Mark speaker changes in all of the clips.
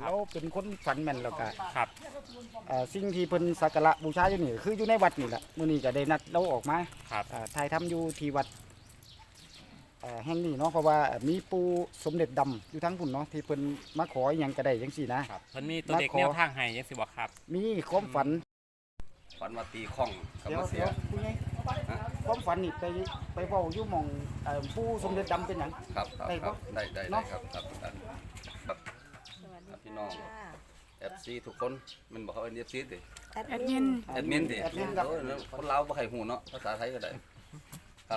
Speaker 1: เราเป็นคนฝันแม่นแล้วก็
Speaker 2: ครับ
Speaker 1: สิ่งที่เพิ่นสักการะบูชาอยู่นี่คืออยู่ในวัดนี่แหละมื้อนี้ก็ได้นัดเราออกมา
Speaker 2: ครับ
Speaker 1: ถ่ายทำอยู่ที่วัดแห่งนี้เนาะเพราะว่ามีปู่สมเด็จดำอยู่ทั้งพุ่นเนาะที่เพิ่นมาขออหยังก็ได้จังซี่นะครับ
Speaker 2: เพิ่นมีตัวเด็ก
Speaker 1: มาขอ
Speaker 2: แนวทางให้จังซี่บ่ครับ
Speaker 1: มีความฝัน
Speaker 3: ฝันว่าตีข้องกับ
Speaker 1: เดี๋ยว
Speaker 3: มาเสีย
Speaker 1: ผู้ใหญ่ความฝันนี่ไปเว้าอยู่หม่องปู่สมเด็จดำเป็นหยัง
Speaker 3: ครับครับ
Speaker 1: ได้
Speaker 3: ค
Speaker 1: บ่
Speaker 3: รับได้ได้
Speaker 1: เนาะ
Speaker 3: ครับครับครับครับ
Speaker 4: สวัสดี
Speaker 3: พี่น้อง FC ทุกคนมันบอกเขาเป็น FC ดิ
Speaker 4: แอดมิน
Speaker 3: แอดมินดิ
Speaker 1: แอดมินครับ
Speaker 3: โอ้ยคนลาวบ่ใครหูเนาะภาษาไทยก็ได้ครับ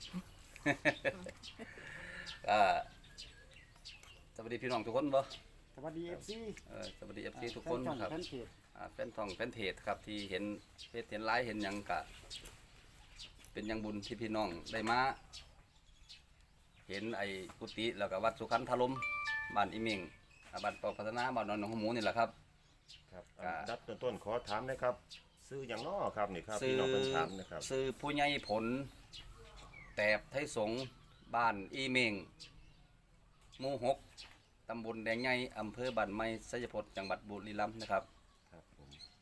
Speaker 3: สวัสดีพี่น้องทุกคนบ่
Speaker 1: สวัสดี FC
Speaker 3: สวัสดี FC ทุกคนครับ
Speaker 1: แฟนเพจ
Speaker 3: แฟนทองแฟนเพจครับที่เห็นเพจเห็นไลฟ์เห็นหยังกะเป็นหยังบุญที่พี่น้องได้มาเห็นไอ้กุฏิแล้วก็วัดสุขันธารมบ้านอีเมงบ้านปอพัฒนาบ้านนนหนองหมูนี่แหละครับ
Speaker 5: ครับดับต้นขอถามนะครับซื้ออย่างน้อครับนี่ครับ
Speaker 3: ซื้
Speaker 5: พี่
Speaker 3: อ
Speaker 5: น้องเป็นถามนะครับ
Speaker 3: ซื้อผู้ใหญ่ผลแตบไทยสงฆ์บ้านอีเมงหมู่6ตำบลแดงใหญ่อำเภอบ้านไม้ไสยพจน์จังหวัดบุรีรัมย์นะครับ
Speaker 5: ครับผม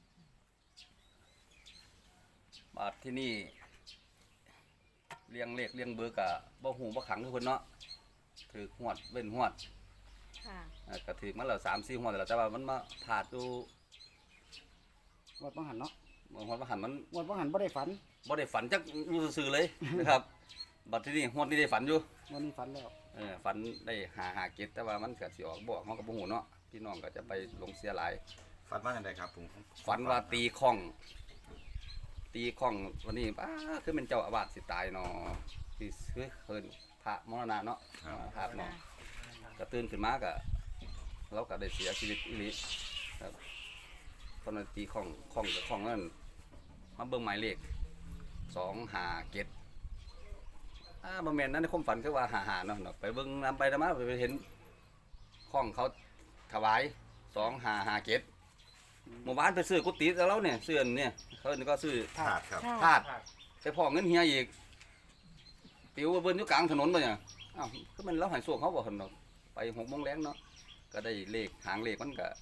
Speaker 3: บาทที่นี่เลี้ยงเลขเลี้ยงเบอร์กะบ่หูบ่ขังทุกคนเนาะถือหวดเว้นหวด
Speaker 4: ค่ะ
Speaker 3: ก็ถือมาแล้ว3-4หวดแล้วแต่ว่ามันมาผาดอยู่
Speaker 1: งวดบ่หันเนาะ
Speaker 3: หวดมาหันมัน
Speaker 1: งวดบ่หันบ่ได้ฝัน
Speaker 3: บ่ได้ฝันจักอยู่ซื่อๆเลย นะครับบัดที่นี่หวดนี่ได้ฝันอยู่
Speaker 1: งวดนี้ฝันแล้ว
Speaker 3: ฝันได้หาเก็ดแต่ว่ามันก็สิออกบ่เฮาก็บ่ฮู้เนาะพี่น้องก็จะไปลงเสียหลาย
Speaker 5: ฝันว่าอย่างไรครับผม
Speaker 3: ฝันว่าตีข้องวันนี้คือเป็นเจ้าอาวาสสิตายเนาะที่เพิ่นพระมรณะเนาะภาพเนาะก็ตื่นขึ้นมาก็เราก็ได้เสียชีวิตอีหลีครับตอนนั้นตีข้องกับข้องนั่นมาเบิ่งหมายเลข257บ่แม่นนั้นในความฝันคือว่า55เนาะไปเบิ่งนำไปนำมาไปเห็นข้องเขาถวาย2557เมื่อวานไปซื้อกุฏิแล้วเนี่ยซื้ออันเนี่ยเขาก็ซื้อ
Speaker 5: ถาดครับ
Speaker 3: ธาตุไปพอเงินเฮียอีกปิวเบิ้นอยู่กลางถนนไปเนี่ยอ้าวก็มันเราหายส่วงเขาบ่เห็นดอกไป6 โมงแรงเนาะก็ได้เลขหางเลขมันก็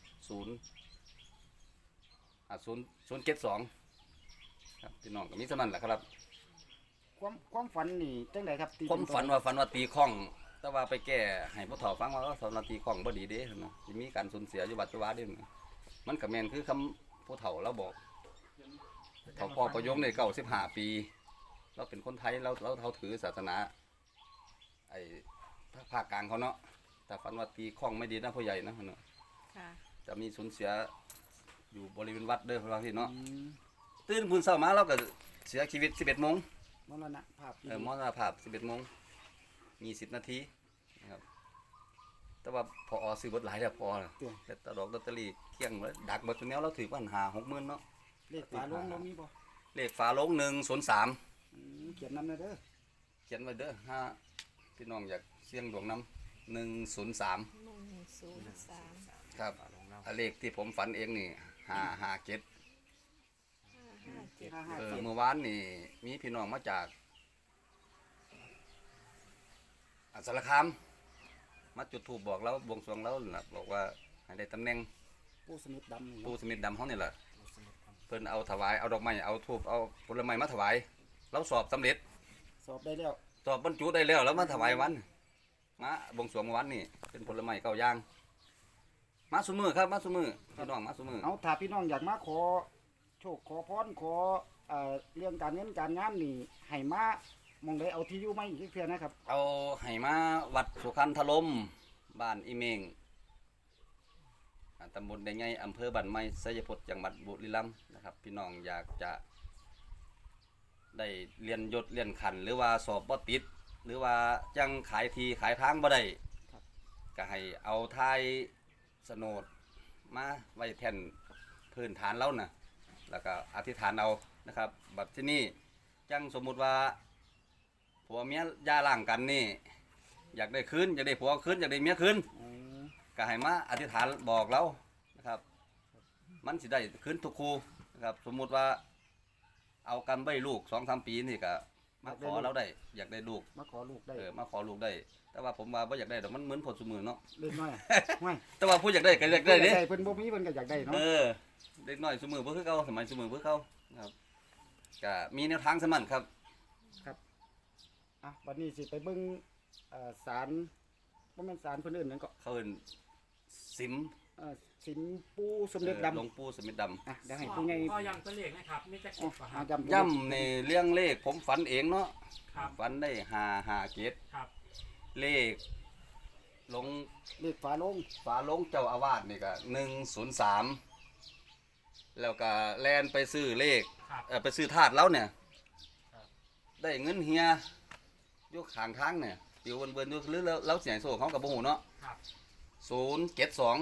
Speaker 3: 072ครับพี่น้องก็มีเท่านั้นแหละครับ
Speaker 1: ความฝันนี่จังไดครับตี
Speaker 3: ผมฝันว่าตีข้อง แต่ว่าไปแก้ให้ผู้เฒ่าฟังว่าสำนักตีข้องบ่ดีเด้เนาะสิมีการสูญเสียอยู่บัดจุบันเด้มันก็แม่นคือคำผู้เฒ่าเราบอกเขาพ่อประยงใน95 ปีเราเป็นคนไทยเราถือศาสนาไอ้ภาคกลางเขาเนาะแต่ฝันว่าตีข้องไม่ดีนะพ่อใหญ่นะเนาะ
Speaker 4: ค่ะ
Speaker 3: จะมีสูญเสียอยู่บริเวณวัดเด้อพระที่เนาะ
Speaker 1: อืม
Speaker 3: ตื่นพุ่นเช้ามาเราก็เสียชีวิต 11 โมง
Speaker 1: มรณภาพ
Speaker 3: มรณภาพ 11 โมง20 นาทีนะครับแต่ว่าพอซื้อเบดหลายแล้วพอแต่ตลอดลอตเตอรี่เที่ยงเลยดักเบดตัวแนวเราถือว่า50,000เนาะ
Speaker 1: เลขฝาโลงเรามีบ่
Speaker 3: เลขฝาโลง103
Speaker 1: เขียนนำหน่อยเด้อ
Speaker 3: เขียนไว้เด้อถ้าพี่น้องอยากเสี่ยงดวงน้ำ103
Speaker 4: 103
Speaker 3: ครับเลขที่ผมฝันเองนี่557
Speaker 4: 557
Speaker 3: เมื่อวานนี่มีพี่น้องมาจากสารคามมาจุดธูปบอกเราบวงสรวงเราล่ะบอกว่าให้ได้ตำแหน่ง
Speaker 1: ปู่สมิทดำนี่
Speaker 3: ปูสมิธดำเขานี่แหละเพิ่นเอาถวายเอาดอกไม้เอาธูปเอาผลไม้มาถวายเราสอบสำเร็จ
Speaker 1: สอบได้แล้ว
Speaker 3: สอบบรรจุได้แล้วแล้วมาถวายวันมาบวงสรวงเมื่อวันนี่เป็นผลไม้9 อย่างมาซุมื้อครับมาซุมื้อพี่น้องมาซุมื้อ
Speaker 1: เอาถ้าพี่น้องอยากมาขอโชคขอพรขอเรื่องการเงินการงานนี่ให้มามองได้เอาที่อยู่มาอีกเทื่อนะครับ
Speaker 3: เอาให้มาวัดสุขันธารมบ้านอีเมงตำบลแดงใหญ่อำเภอบ้านไม้ไสยพจน์จังหวัดบุรีรัมย์นะครับพี่น้องอยากจะได้เรียนยศเรียนขันหรือว่าสอบบ่ติด หรือว่าจังขายทีขายทางบ่ได้ก็ให้เอาทายโฉนดมาไว้แทนพื้นฐานเราน่ะแล้วก็อธิษฐานเอานะครับแบบที่นี่จังสมมุติว่าผัวเมียย่าร่างกันนี่อยากได้คืนอยากได้ผัวคืนอยากได้เมียคืนก็ให้มาอธิษฐานบอกเรานะครับมันสิได้คืนทุกคู่นะครับสมมุติว่าเอากันใบลูก2-3 ปีนี่ก็มาขอเราได้อยากได้ลูก
Speaker 1: มาขอลูกได้
Speaker 3: มาขอลูกได้ แต่ว่าผมว่าบ่อยากได้ดอกมันเหมือนผลสมือเนาะ
Speaker 1: เล็กน้อยห้วย
Speaker 3: แต่ว่าผู้อยากได้ก็อยากได้เด้
Speaker 1: เพิ่นบ่มีเพิ่นก็อยากได้เนาะ
Speaker 3: เด็กน้อยสมือบ่คือเก่าสมัยสมือบ่คือเก่าครับก็มีแนวทางสมันครับ
Speaker 1: อ่ะบัดนี้สิไปเบิ่งศาลบ่แม่นศาลเพิ่นเอิ้นหยังก็
Speaker 3: เขาเอิ้นสิม
Speaker 1: สินปู่สมเด็จดำ
Speaker 3: หลวงปู่สมเด็จดำ
Speaker 1: อ่ะเดี๋ยวให้ผู้ใหญ่
Speaker 2: ก็ยังตัวเลขนะครับมีแต่กบอะครับ
Speaker 1: ย้ำ
Speaker 3: ย่ำในเรื่องเลขผมฝันเองเนาะ
Speaker 2: ครับ
Speaker 3: ฝันได้5 เกต
Speaker 2: ครับ
Speaker 3: เลขลง
Speaker 1: เลขฝาโลง
Speaker 3: ฝาลงเจ้าอาวาสนี่ก็103แล้วก็แล่นไปซื้อเลข
Speaker 2: ครับ
Speaker 3: ไปซื้อถาดแล้วเนี่ย
Speaker 2: ครับ
Speaker 3: ได้เงินเฮียอยู่ข้างทางเนี่ยอยู่เบิ่นๆอยู่หรือแล้วเสียงโซ่เขากับบ่ฮู้เนาะ
Speaker 2: ครับ
Speaker 3: 072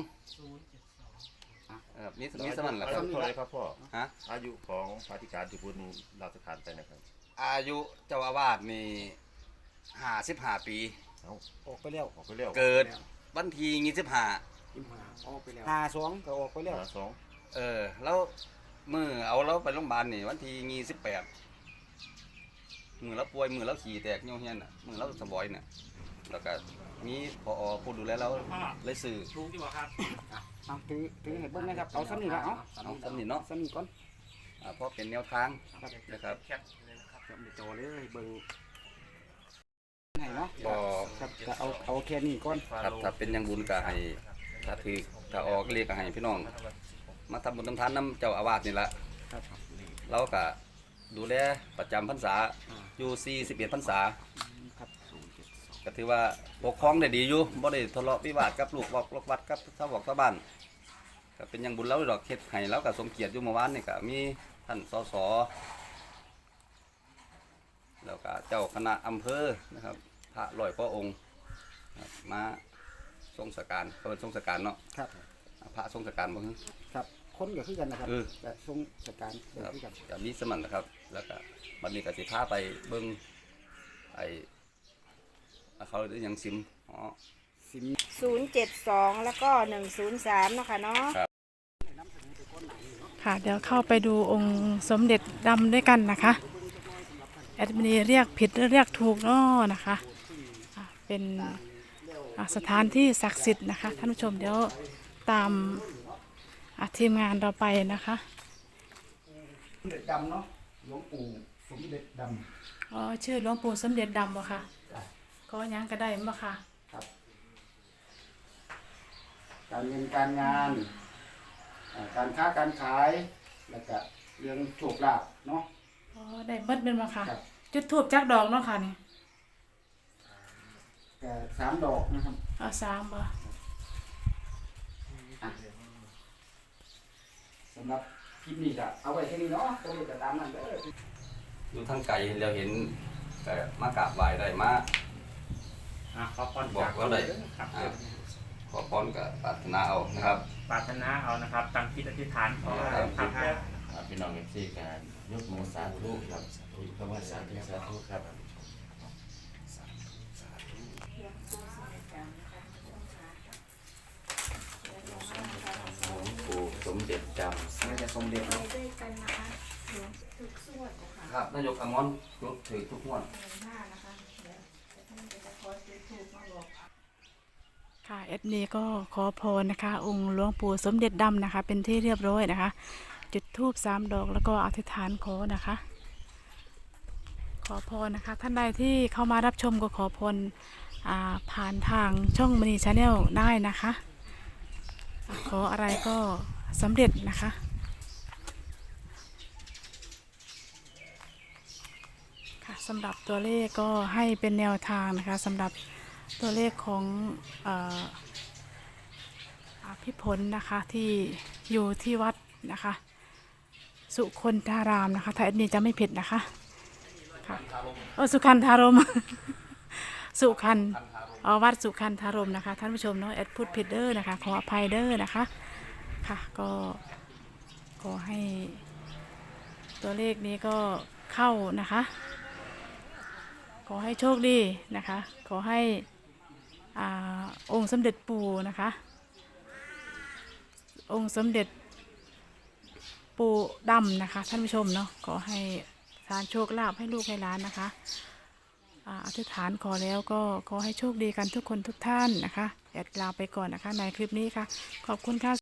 Speaker 2: 072
Speaker 3: มีสมันแหละครับ
Speaker 5: อายุเท่าไหรครับพ่อ
Speaker 3: ฮะ
Speaker 5: อายุของพระธิการที่พุ่นราชการไปนะครับ
Speaker 3: อายุเจ้าอาวาสนี่55 ปี
Speaker 5: เอ้า
Speaker 1: ออกไปแล้ว
Speaker 5: ออกไปแล้ว
Speaker 3: เกิดวันที่25
Speaker 2: ออกไปแล้ว
Speaker 1: 52ก็ออกไปแล้ว
Speaker 5: สอง
Speaker 3: แล้วมือเอาเราไปโรงพยาบาลนี่วันที่28มือเราป่วยมือเราขี่แตกเหี่ยวเฮียนน่ะมือเราสบอยน่ะแล้วก็มีผอผู้ดูแลเราเลยซื้อ
Speaker 2: ถูกดีกว่าครับ
Speaker 1: เอาถือให้เบิ่งนะครับเอาซ้ำนี่ละเอา
Speaker 3: เอาสำนิเนาะ
Speaker 1: ซ้ำนี่ก่อน
Speaker 3: เพราะเป็นแนวทางนะครับ
Speaker 2: แคปเลยนะครับ
Speaker 1: โจเลยเบิ่งให้เนาะ
Speaker 3: ก็
Speaker 1: ครับก็เอาแค่นี้ก่อน
Speaker 3: ครับถ้าเป็นอยังบุญก็ให้ถ้าออกเรียกก็ให้พี่น้อง มาทำบุญทำทานน้ำเจ้าอาวาสนี่ละ
Speaker 1: ครับ
Speaker 3: เราก็ดูแลประจำพรรษาอยู่41พรรษา
Speaker 1: ครับ
Speaker 3: ก็ถือว่าปกครองได้ดีอยู่บ่ได้ทะเลาะวิวาทกับลูกบอกลูกวัดกับชาวบอกชาวบ้านก็เป็นอยังบุญเราดอกเฮ็ดให้เราก็สมเกียรติอยู่เมื่อวานนี่ก็มีท่านสสแล้วก็เจ้าคณะอำเภอนะครับพระร้อยพระองค์ครับมาทรงสการเขาเป็นทรงสการเนาะ
Speaker 1: ครับ
Speaker 3: พระทรงสการบ่ฮึ
Speaker 1: ครับคนก็คือกันนะครับ
Speaker 3: เออ
Speaker 1: แต่ทรงสการก็
Speaker 3: ครับ
Speaker 1: คือกัน
Speaker 3: ก็มีสมันนะครับ แล้วก็บัดนี้ก็สิพาไปเบิ่งไอ้เขาเรียกหยังซิมอ๋อ
Speaker 1: สิน
Speaker 4: 072 แล้วก็ 103เนาะค่ะเนาะ
Speaker 6: ค่ะเดี๋ยวเข้าไปดูองค์สมเด็จดำด้วยกันนะคะแอดมินเรียกผิดหรือเรียกถูกเนาะนะคะเป็นสถานที่ศักดิ์สิทธิ์นะคะท่านผู้ชมเดี๋ยวตามทีมงานเราไปนะคะ
Speaker 1: สมเด็จดำเนาะหลวงปู่สมเด็จด
Speaker 6: อ๋อชื่อหลวงปู่สมเด็จดำบ่ค่ะก็ยังก็ได้บ่ค่ะ
Speaker 1: ำครับ การเงินการงานการค้าการขายแล้วก็เรื่องโชคลาภเนาะ
Speaker 6: อ๋อได้เบิดเป็นบ่ค่ะ
Speaker 1: ครับ
Speaker 6: จุดทูบจักดอกเนาะค่ะนี่
Speaker 1: แต่3 ดอกนะครับ
Speaker 6: เอา3บ่
Speaker 1: สำหรับคลิปนี้ก็เอาไว้แค่นี้เนาะตัวนี้ก็ตามนั้นเด้อ
Speaker 3: อยู่ทางไกลเราเห็นก็มากราบไหว้ได้มา
Speaker 2: ขอพร
Speaker 3: บอกเราได้
Speaker 2: ครับ
Speaker 3: ขอพรกับปรารถนาเอานะครับ
Speaker 2: ปรารถนาเอานะครับตั้งจิตอธิษฐานขอครับ
Speaker 7: พี่น้องเอฟซีการยกมือสาธุครับคำว่าสาธุครับ หลวงปู่สมเด็จจำ
Speaker 1: น่าจะสมเด็จเนาะ
Speaker 4: ด้วยกันนะคะทุกส่วนนะคะ
Speaker 3: ครับนายกอมรยกถือทุกงวด
Speaker 4: หน้านะคะเดี๋ยวท่านจะขอซื้อถูกมาบอก
Speaker 6: ค่ะแอดมินก็ขอพรนะคะ องค์หลวงปู่สมเด็จดำนะคะ เป็นที่เรียบร้อยนะคะ จุดธูป3 ดอกแล้วก็อธิษฐานขอนะคะ ขอพรนะคะ ท่านใดที่เข้ามารับชมก็ขอพรผ่านทางช่องมณีชาแนลได้นะคะขออะไรก็สำเร็จนะคะค่ะสำหรับตัวเลขก็ให้เป็นแนวทางนะคะสำหรับตัวเลขของพี่ผลนะคะที่อยู่ที่วัดนะคะสุคนธารามนะคะถ้าแอดมินจะไม่ผิดนะคะค่ะสุขันธารม สุขันวัดสุขันธารมนะคะท่านผู้ชมเนาะแอดพูดผิดเด้อนะคะขออภัยเด้อนะคะค่ะก็ขอให้ตัวเลขนี้ก็เข้านะคะขอให้โชคดีนะคะขอให้องค์สมเด็จปู่นะคะองค์สมเด็จปู่ดำนะคะท่านผู้ชมเนาะขอให้ทานโชคลาภให้ลูกให้หลานนะคะอธิษฐานขอแล้วก็ขอให้โชคดีกันทุกคนทุกท่านนะคะแอดลาไปก่อนนะคะในคลิปนี้ค่ะขอบคุณค่ะ